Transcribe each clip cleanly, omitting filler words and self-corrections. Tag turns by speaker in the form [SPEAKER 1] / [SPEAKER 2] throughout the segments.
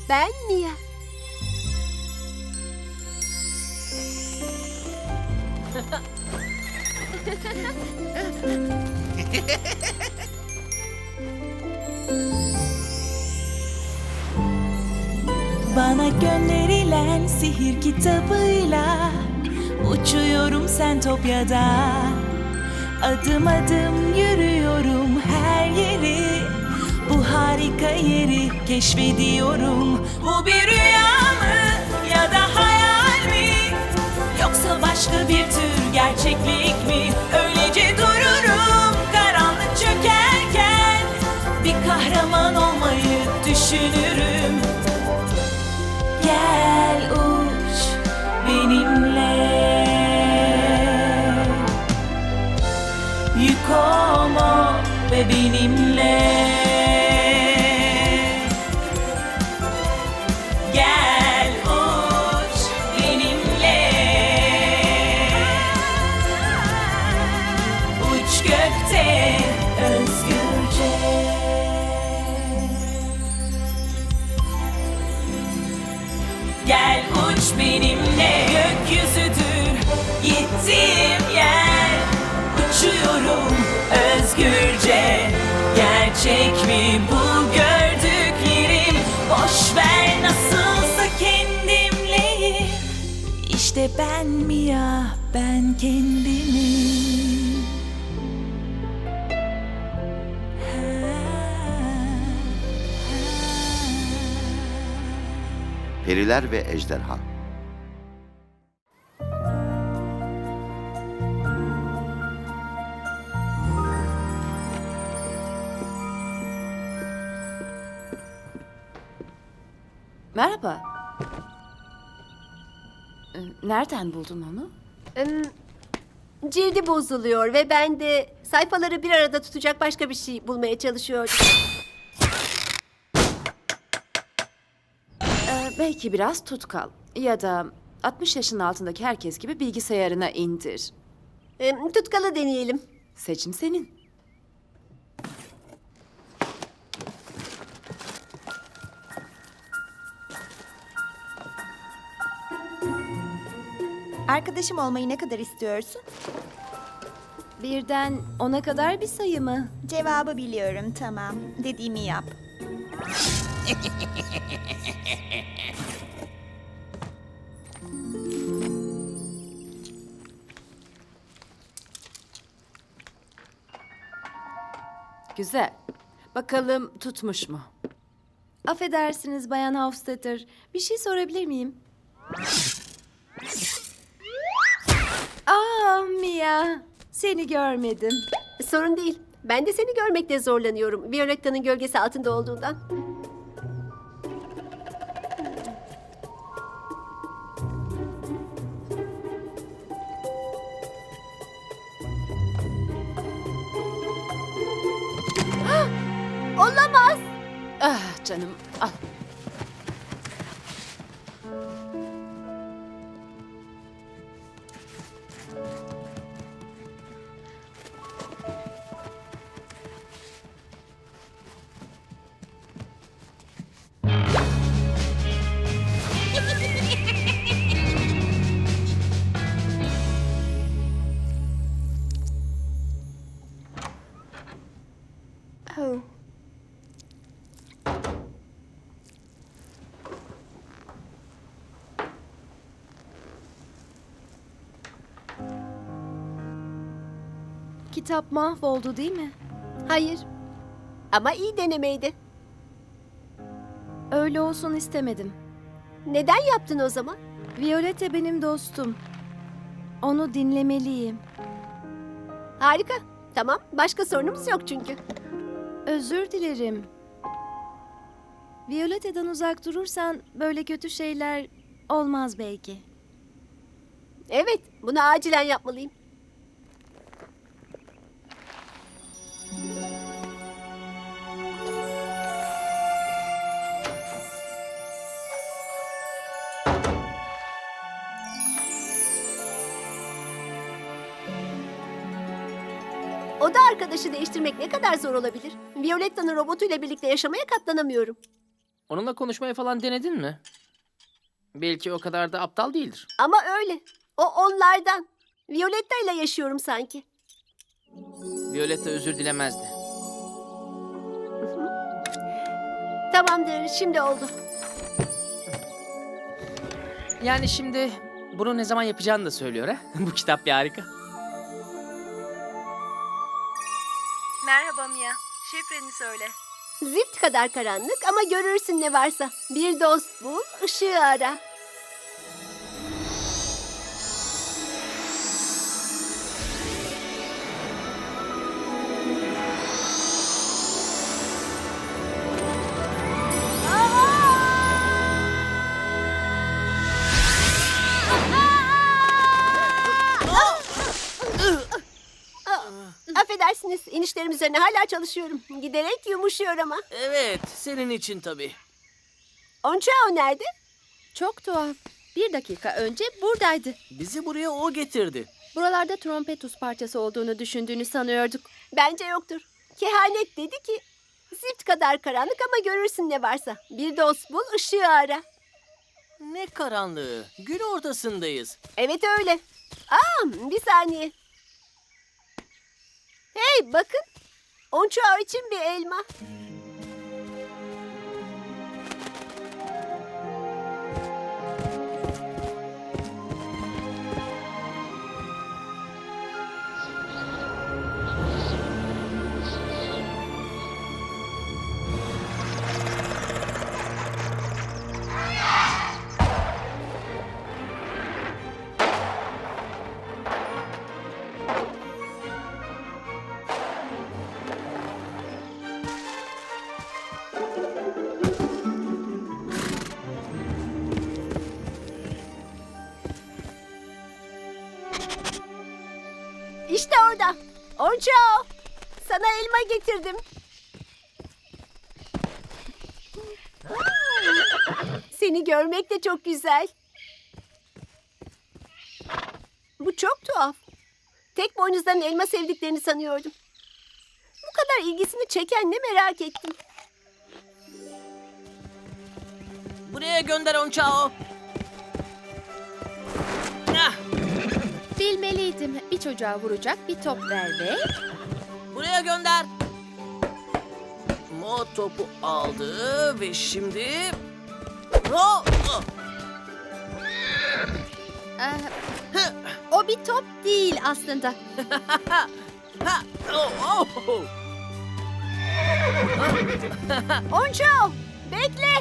[SPEAKER 1] Ben Mia.
[SPEAKER 2] Bana gönderilen sihir kitabıyla uçuyorum Sentopya'da. Adım adım yürüyorum her yeri, bu harika yeri keşfediyorum. Bu bir rüya mı ya da hayal mi? Yoksa başka bir tür gerçeklik mi? Öylece dururum karanlık çökerken, bir kahraman olmayı düşünürüm. Gel uç benimle, yük olma ve benimle. Gel uç benimle, uç gökte özgürce. Gel uç benimle, gökyüzüdür gittiğim yer. Uçuyorum özgürce. Gerçek mi bu gördüklerim? Boş ver, nasılsa kendimleyim. İşte ben Mia, ben kendimim.
[SPEAKER 3] Periler ve Ejderha.
[SPEAKER 4] Merhaba. Nereden buldun onu?
[SPEAKER 1] Cildi bozuluyor ve ben de sayfaları bir arada tutacak başka bir şey bulmaya çalışıyordum.
[SPEAKER 4] Belki biraz tutkal ya da 60 yaşın altındaki herkes gibi bilgisayarına indir.
[SPEAKER 1] Tutkalı deneyelim.
[SPEAKER 4] Seçim senin.
[SPEAKER 5] Arkadaşım olmayı ne kadar istiyorsun?
[SPEAKER 4] Birden 10'a kadar bir sayı mı?
[SPEAKER 5] Cevabı biliyorum, tamam. Dediğimi yap.
[SPEAKER 4] Güzel. Bakalım tutmuş mu? Affedersiniz Bayan Hofstetter. Bir şey sorabilir miyim? Mia. Seni görmedim.
[SPEAKER 1] Sorun değil. Ben de seni görmekte zorlanıyorum. Violetta'nın gölgesi altında olduğundan. Olamaz.
[SPEAKER 4] Ah canım, al.
[SPEAKER 1] Oh.
[SPEAKER 4] Kitap mahvoldu değil mi?
[SPEAKER 1] Hayır. Ama iyi denemeydi.
[SPEAKER 4] Öyle olsun istemedim.
[SPEAKER 1] Neden yaptın o zaman?
[SPEAKER 4] Violetta benim dostum. Onu dinlemeliyim.
[SPEAKER 1] Harika. Tamam. Başka sorunumuz yok çünkü.
[SPEAKER 4] Özür dilerim. Violetta'dan uzak durursan böyle kötü şeyler olmaz belki.
[SPEAKER 1] Evet. Bunu acilen yapmalıyım. Oda arkadaşı değiştirmek ne kadar zor olabilir? Violetta'nın robotuyla birlikte yaşamaya katlanamıyorum.
[SPEAKER 6] Onunla konuşmayı falan denedin mi? Belki o kadar da aptal değildir.
[SPEAKER 1] Ama öyle. O onlardan. Violetta ile yaşıyorum sanki.
[SPEAKER 6] Violetta özür dilemezdi.
[SPEAKER 1] Tamamdır, şimdi oldu.
[SPEAKER 6] Yani şimdi bunu ne zaman yapacağını da söylüyor ha? Bu kitap bir harika.
[SPEAKER 7] Merhaba Mia. Şifreni söyle.
[SPEAKER 1] Zift kadar karanlık ama görürsün ne varsa. Bir dost bul, ışığı ara. Affedersiniz, inişlerim üzerine hala çalışıyorum. Giderek yumuşuyor ama.
[SPEAKER 8] Evet, senin için tabii.
[SPEAKER 1] Onçao nerede?
[SPEAKER 9] Çok tuhaf. 1 dakika önce buradaydı.
[SPEAKER 8] Bizi buraya o getirdi.
[SPEAKER 9] Buralarda trompetus parçası olduğunu düşündüğünü sanıyorduk.
[SPEAKER 1] Bence yoktur. Kehanet dedi ki, zift kadar karanlık ama görürsün ne varsa. Bir dost bul, ışığı ara.
[SPEAKER 8] Ne karanlığı. Gün ortasındayız.
[SPEAKER 1] Evet öyle. Bir saniye. Hey bakın. Onçao için bir elma. İşte orada. Onçao. Sana elma getirdim. Seni görmek de çok güzel. Bu çok tuhaf. Tek boynuzların elma sevdiklerini sanıyordum. Bu kadar ilgisini çeken ne merak ettim.
[SPEAKER 8] Buraya gönder Onçao. Ah,
[SPEAKER 9] Bilmeliydim. Bir çocuğa vuracak bir top ver ve...
[SPEAKER 8] buraya gönder. Mo topu aldı ve şimdi... Oh, oh.
[SPEAKER 9] O bir top değil aslında.
[SPEAKER 8] Ha, oh, oh, oh.
[SPEAKER 1] Onçao, bekle.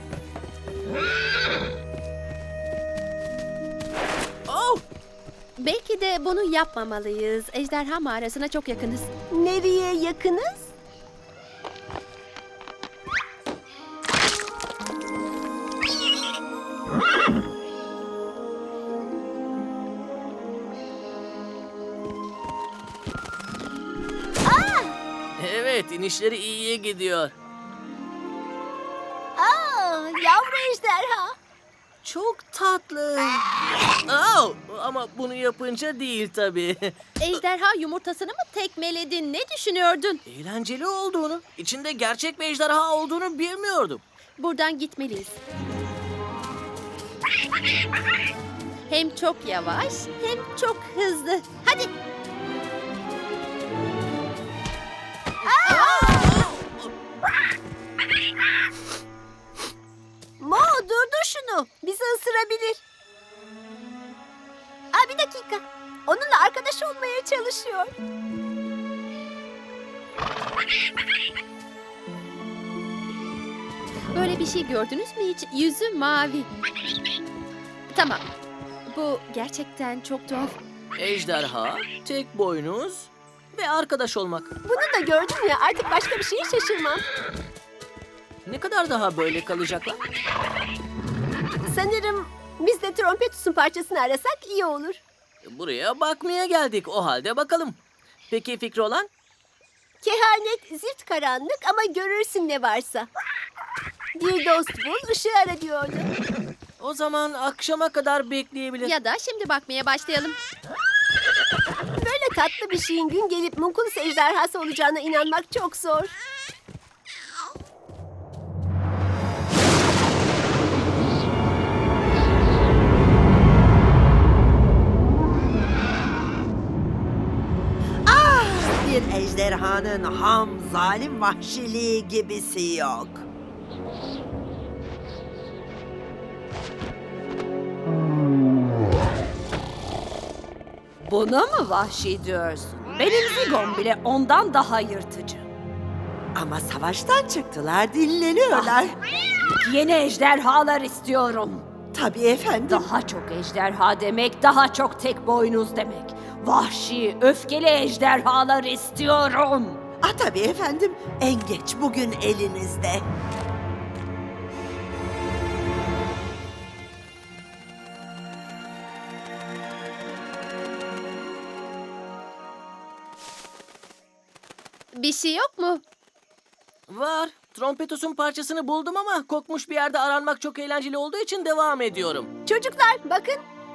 [SPEAKER 8] Oh.
[SPEAKER 9] Belki de bunu yapmamalıyız. Ejderha mağarasına çok yakınız.
[SPEAKER 1] Nereye yakınız?
[SPEAKER 8] Evet, inişleri iyiye gidiyor.
[SPEAKER 1] Yavru ejderha.
[SPEAKER 8] Çok tatlı. Oh, ama bunu yapınca değil tabii.
[SPEAKER 9] Ejderha yumurtasını mı tekmeledin? Ne düşünüyordun?
[SPEAKER 8] Eğlenceli olduğunu, içinde gerçek bir ejderha olduğunu bilmiyordum.
[SPEAKER 9] Buradan gitmeliyiz. Hem çok yavaş hem çok hızlı. Hadi.
[SPEAKER 1] Mo durdur şunu. Bizi ısırabilir. Bir dakika. Onunla arkadaş olmaya çalışıyor.
[SPEAKER 9] Böyle bir şey gördünüz mü hiç? Yüzü mavi. Tamam. Bu gerçekten çok tuhaf.
[SPEAKER 8] Ejderha, tek boynuz ve arkadaş olmak.
[SPEAKER 1] Bunu da gördüm ya, artık başka bir şeye şaşırmam.
[SPEAKER 8] Ne kadar daha böyle kalacaklar?
[SPEAKER 1] Sanırım biz de trompetus'un parçasını arasak iyi olur.
[SPEAKER 8] Buraya bakmaya geldik. O halde bakalım. Peki fikri olan?
[SPEAKER 1] Kehanet zift karanlık ama görürsün ne varsa. Bir dost bul, ışığı ara diyordu.
[SPEAKER 8] O zaman akşama kadar bekleyebilir.
[SPEAKER 9] Ya da şimdi bakmaya başlayalım.
[SPEAKER 1] Böyle tatlı bir şeyin gün gelip Munculus ejderhası olacağına inanmak çok zor.
[SPEAKER 7] ejderhanın ham, zalim vahşiliği gibisi yok.
[SPEAKER 10] Buna mı vahşi diyorsun? Benim Zigon bile ondan daha yırtıcı.
[SPEAKER 7] Ama savaştan çıktılar, dinleniyorlar.
[SPEAKER 10] Yeni ejderhalar istiyorum.
[SPEAKER 7] Tabii efendim.
[SPEAKER 10] Daha çok ejderha demek, daha çok tek boynuz demek. Vahşi, öfkeli ejderhalar istiyorum.
[SPEAKER 7] Tabii efendim. En geç bugün elinizde.
[SPEAKER 9] Bir şey yok mu?
[SPEAKER 6] Var. Trompetos'un parçasını buldum ama kokmuş bir yerde aranmak çok eğlenceli olduğu için devam ediyorum.
[SPEAKER 1] Çocuklar bakın.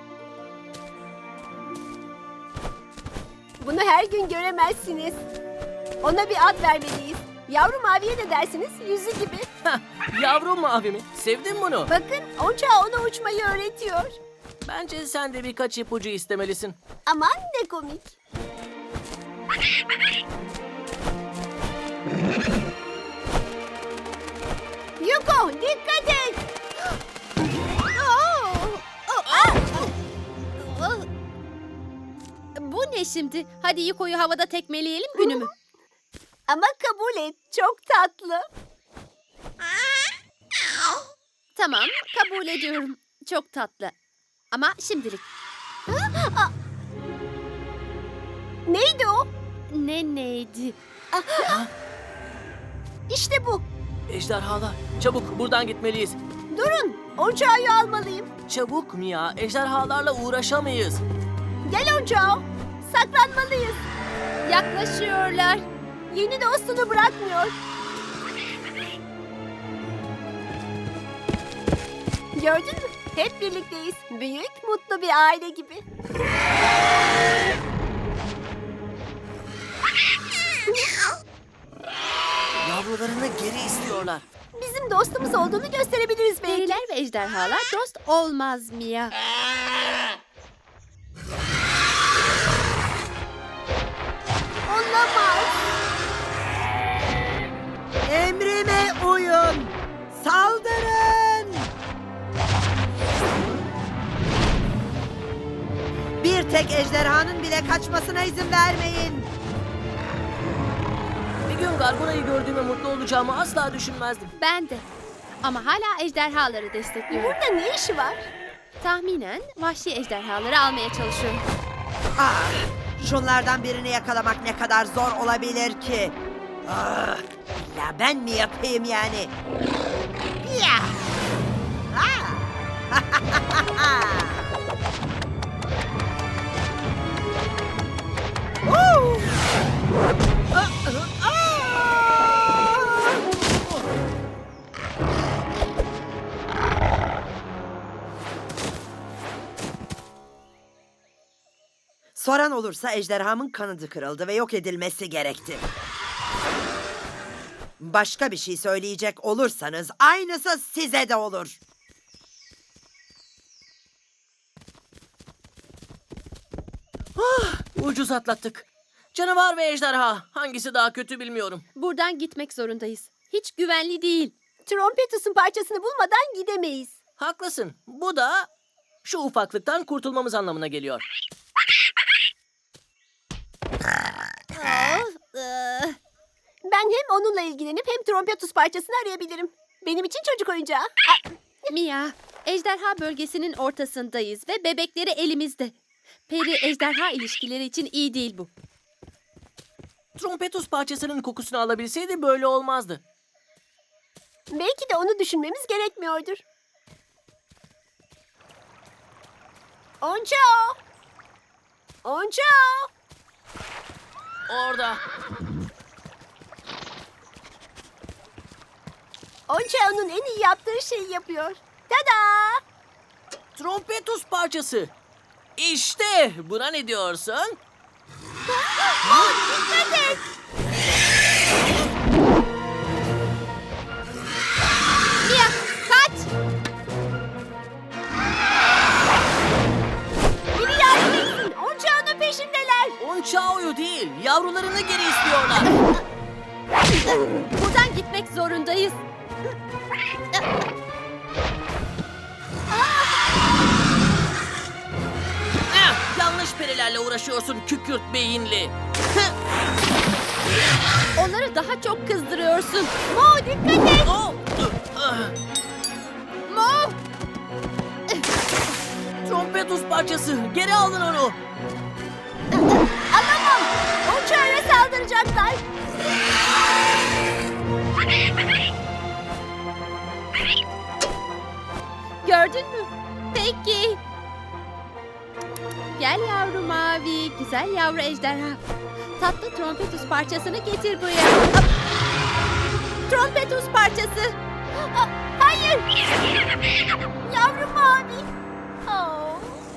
[SPEAKER 1] Bunu her gün göremezsiniz. Ona bir ad vermeliyiz. Yavru maviye de dersiniz, yüzü gibi.
[SPEAKER 6] Yavru mavi mi? Sevdin bunu.
[SPEAKER 1] Bakın, Onca ona uçmayı öğretiyor.
[SPEAKER 6] Bence sen de birkaç ipucu istemelisin.
[SPEAKER 1] Aman ne komik. Yuko, dikkat et.
[SPEAKER 9] Bu ne şimdi? Hadi Yuko'yu havada tekmeleyelim günümü.
[SPEAKER 1] Ama kabul et, çok tatlı.
[SPEAKER 9] Tamam, kabul ediyorum. Çok tatlı. Ama şimdilik.
[SPEAKER 1] Neydi o?
[SPEAKER 9] Neydi?
[SPEAKER 1] İşte bu.
[SPEAKER 6] Ejderhalar. Çabuk buradan gitmeliyiz.
[SPEAKER 1] Durun, Onca'yı almalıyım.
[SPEAKER 6] Çabuk Mia. Ejderhalarla uğraşamayız.
[SPEAKER 1] Gel Onca, saklanmalıyız.
[SPEAKER 9] Yaklaşıyorlar.
[SPEAKER 1] Yeni dostunu bırakmıyor. Gördün mü? Hep birlikteyiz. Büyük, mutlu bir aile gibi.
[SPEAKER 6] Yavrularını geri istiyorlar.
[SPEAKER 1] Bizim dostumuz olduğunu gösterebiliriz belki.
[SPEAKER 9] Periler ve ejderhalar dost olmaz Mia.
[SPEAKER 1] Olamaz.
[SPEAKER 7] Emrime uyun. Saldırın. Bir tek ejderhanın bile kaçmasına izin vermeyin.
[SPEAKER 6] Bir gün Gargona'yı gördüğüme mutlu olacağımı asla düşünmezdim.
[SPEAKER 9] Ben de. Ama hala ejderhaları destekliyorum.
[SPEAKER 1] Burada ne işi var?
[SPEAKER 9] Tahminen vahşi ejderhaları almaya çalışıyorum.
[SPEAKER 7] Şunlardan birini yakalamak ne kadar zor olabilir ki? İlla ben mi yapayım yani? Ya! Soran olursa ejderhamın kanadı kırıldı ve yok edilmesi gerekti. Başka bir şey söyleyecek olursanız aynısı size de olur.
[SPEAKER 6] Ucuz atlattık. Canavar ve ejderha. Hangisi daha kötü bilmiyorum.
[SPEAKER 9] Buradan gitmek zorundayız. Hiç güvenli değil.
[SPEAKER 1] Trompetus'un parçasını bulmadan gidemeyiz.
[SPEAKER 6] Haklısın. Bu da şu ufaklıktan kurtulmamız anlamına geliyor.
[SPEAKER 1] Ben hem onunla ilgilenip hem trompetus parçasını arayabilirim. Benim için çocuk oyuncağı.
[SPEAKER 9] Mia, ejderha bölgesinin ortasındayız ve bebekleri elimizde. Peri ejderha ilişkileri için iyi değil bu.
[SPEAKER 6] Trompetus parçasının kokusunu alabilseydi böyle olmazdı.
[SPEAKER 1] Belki de onu düşünmemiz gerekmiyordur. Onca! Onca!
[SPEAKER 6] Orada.
[SPEAKER 1] Onca onun en iyi yaptığı şeyi yapıyor. Tada!
[SPEAKER 6] Trompetus parçası. İşte buna ne diyorsun?
[SPEAKER 1] Dikkat et!
[SPEAKER 9] Mia, kaç!
[SPEAKER 1] Biri yardım etsin. Onca onun peşindeler.
[SPEAKER 6] Onçao'yu değil, yavrularını geri istiyorlar.
[SPEAKER 9] Buradan gitmek zorundayız.
[SPEAKER 8] Yanlış perilerle uğraşıyorsun kükürt beyinli.
[SPEAKER 9] Onları daha çok kızdırıyorsun. Mo dikkat et.
[SPEAKER 8] Oh!
[SPEAKER 9] Mo.
[SPEAKER 6] Trompetus parçası. Geri alın onu.
[SPEAKER 1] Alamam. Onça'ya saldıracaklar.
[SPEAKER 9] Gördün mü? Peki. Gel yavru mavi, güzel yavru ejderha. Tatlı trompetus parçasını getir buraya. Hop. Trompetus parçası.
[SPEAKER 1] Hayır. Yavru mavi. Oh.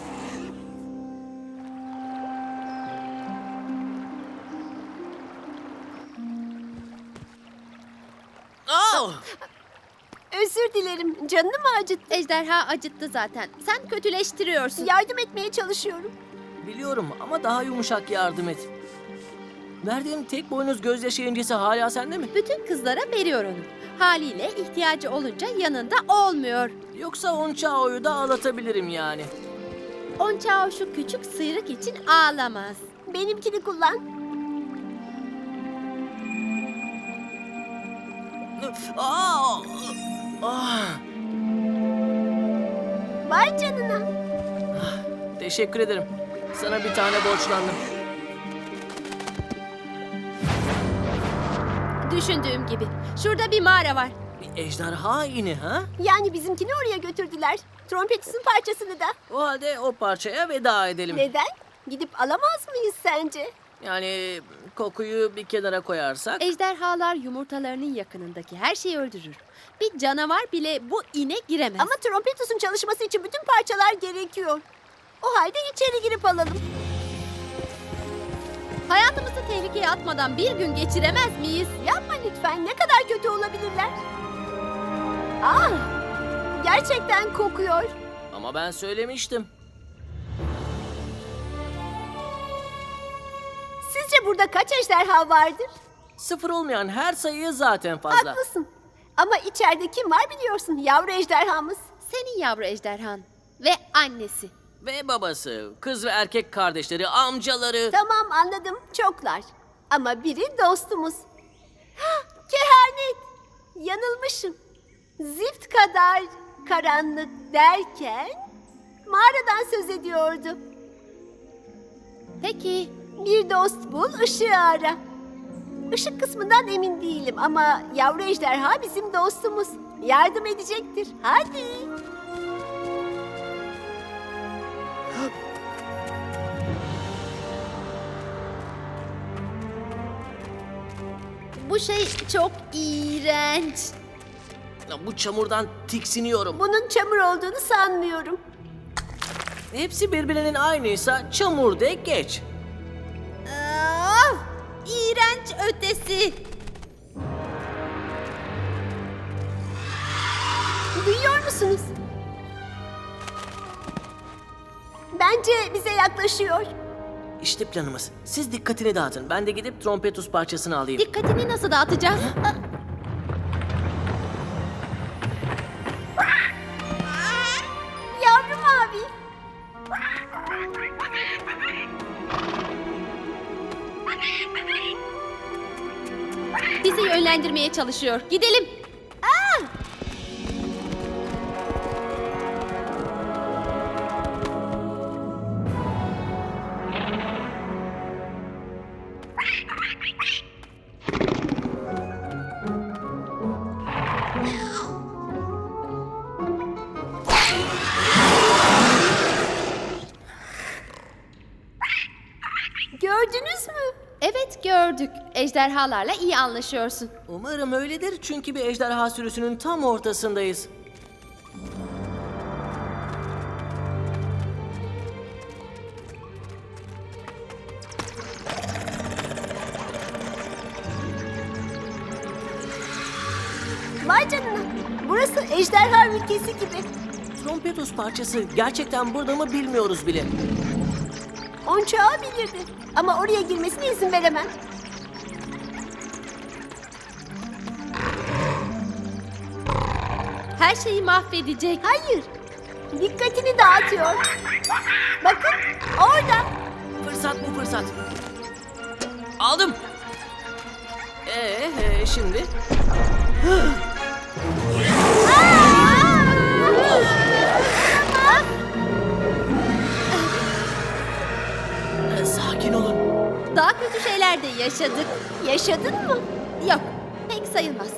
[SPEAKER 8] Oh!
[SPEAKER 1] Özür dilerim. Canını mı acıttı?
[SPEAKER 9] Ejderha acıttı zaten. Sen kötüleştiriyorsun.
[SPEAKER 1] Yardım etmeye çalışıyorum.
[SPEAKER 6] Biliyorum ama daha yumuşak yardım et. Verdiğim tek boynuz gözyaşı incisi hala sende mi?
[SPEAKER 9] Bütün kızlara veriyor onu. Haliyle ihtiyacı olunca yanında olmuyor.
[SPEAKER 6] Yoksa Onçao'yu da ağlatabilirim yani.
[SPEAKER 9] Onçao şu küçük sıyrık için ağlamaz.
[SPEAKER 1] Benimkini kullan.
[SPEAKER 6] Aa! Ah!
[SPEAKER 1] Vay canına.
[SPEAKER 6] Teşekkür ederim. Sana bir tane borçlandım.
[SPEAKER 9] Düşündüğüm gibi. Şurada bir mağara var.
[SPEAKER 6] Bir ejderha ini ha?
[SPEAKER 1] Yani bizimkini oraya götürdüler. Trompetus'un parçasını da.
[SPEAKER 6] O halde o parçaya veda edelim.
[SPEAKER 1] Neden? Gidip alamaz mıyız sence?
[SPEAKER 6] Yani kokuyu bir kenara koyarsak.
[SPEAKER 9] Ejderhalar yumurtalarının yakınındaki her şeyi öldürür. Bir canavar bile bu ine giremez.
[SPEAKER 1] Ama Trompetus'un çalışması için bütün parçalar gerekiyor. O halde içeri girip alalım.
[SPEAKER 9] hayatımızı tehlikeye atmadan bir gün geçiremez miyiz?
[SPEAKER 1] Yapma lütfen. Ne kadar kötü olabilirler? Ah! Gerçekten kokuyor.
[SPEAKER 6] Ama ben söylemiştim.
[SPEAKER 1] Sizce burada kaç ejderha vardır?
[SPEAKER 6] Sıfır olmayan her sayı zaten fazla.
[SPEAKER 1] Haklısın. Ama içeride kim var biliyorsun? Yavru ejderhamız.
[SPEAKER 9] Senin yavru ejderhan ve annesi.
[SPEAKER 6] Ve babası, kız ve erkek kardeşleri, amcaları.
[SPEAKER 1] Tamam anladım. Çoklar. Ama biri dostumuz. Hah, kehanet. Yanılmışım. Zift kadar karanlık derken mağaradan söz ediyordu.
[SPEAKER 9] Peki
[SPEAKER 1] Bir dost bul, ışığı ara. Işık kısmından emin değilim ama yavru ejderha bizim dostumuz. Yardım edecektir. Hadi.
[SPEAKER 9] bu şey çok iğrenç.
[SPEAKER 6] Ya bu çamurdan tiksiniyorum.
[SPEAKER 1] Bunun çamur olduğunu sanmıyorum.
[SPEAKER 6] Hepsi birbirinin aynıysa çamur de geç.
[SPEAKER 9] Ah, iğrenç ötesi.
[SPEAKER 1] Duyuyor musunuz? Bence bize yaklaşıyor.
[SPEAKER 6] İşte planımız. Siz dikkatini dağıtın. Ben de gidip trompetus parçasını alayım.
[SPEAKER 9] Dikkatini nasıl dağıtacağız?
[SPEAKER 1] Yavru mavi.
[SPEAKER 9] Bizi yönlendirmeye çalışıyor. Gidelim.
[SPEAKER 1] Gördünüz mü?
[SPEAKER 9] Evet gördük. Ejderhalarla iyi anlaşıyorsun.
[SPEAKER 6] Umarım öyledir çünkü bir ejderha sürüsünün tam ortasındayız.
[SPEAKER 1] Vay canına. Burası ejderha ülkesi gibi.
[SPEAKER 6] Trompetus parçası gerçekten burada mı bilmiyoruz bile.
[SPEAKER 1] Onçağı bilirdi. Ama oraya girmesine izin veremem.
[SPEAKER 9] her şeyi mahvedecek.
[SPEAKER 1] Hayır. Dikkatini dağıtıyor. Bakın orada.
[SPEAKER 8] Fırsat bu fırsat. Aldım. Şimdi?
[SPEAKER 6] Sakin olun.
[SPEAKER 9] Daha kötü şeyler de yaşadık.
[SPEAKER 1] Yaşadın mı?
[SPEAKER 9] Yok, pek sayılmaz.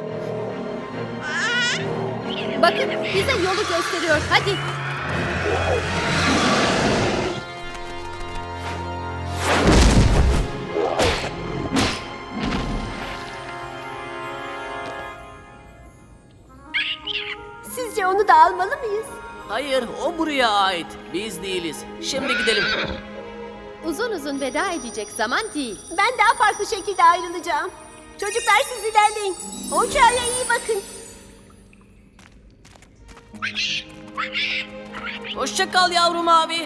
[SPEAKER 9] Bakın, bize yolu gösteriyor. Hadi.
[SPEAKER 1] Sizce onu da almalı mıyız?
[SPEAKER 8] Hayır, o buraya ait. Biz değiliz. Şimdi gidelim.
[SPEAKER 9] Uzun uzun veda edecek zaman değil.
[SPEAKER 1] Ben daha farklı şekilde ayrılacağım. Çocuklar siz ilerleyin. O uçağa iyi bakın.
[SPEAKER 8] Hoşça kal yavrum abi.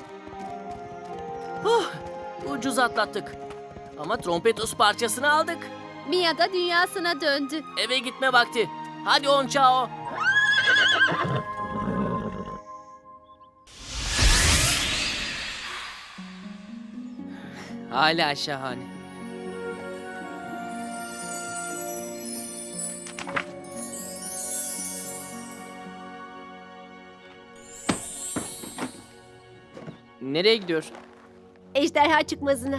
[SPEAKER 8] Ucuz atlattık. Ama trompetus parçasını aldık.
[SPEAKER 9] Mia da dünyasına döndü.
[SPEAKER 8] Eve gitme vakti. Hadi on çao. Hala şahane. Nereye gidiyor?
[SPEAKER 1] Ejderha çıkmazına.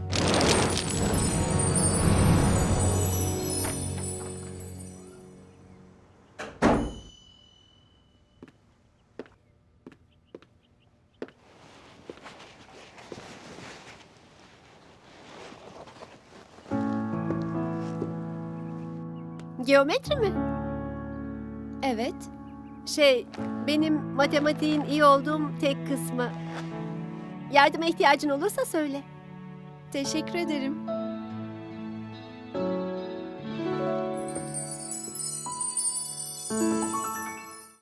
[SPEAKER 1] Geometri mi?
[SPEAKER 9] Evet.
[SPEAKER 1] Benim matematiğin iyi olduğum tek kısmı. Yardıma ihtiyacın olursa söyle.
[SPEAKER 9] Teşekkür ederim.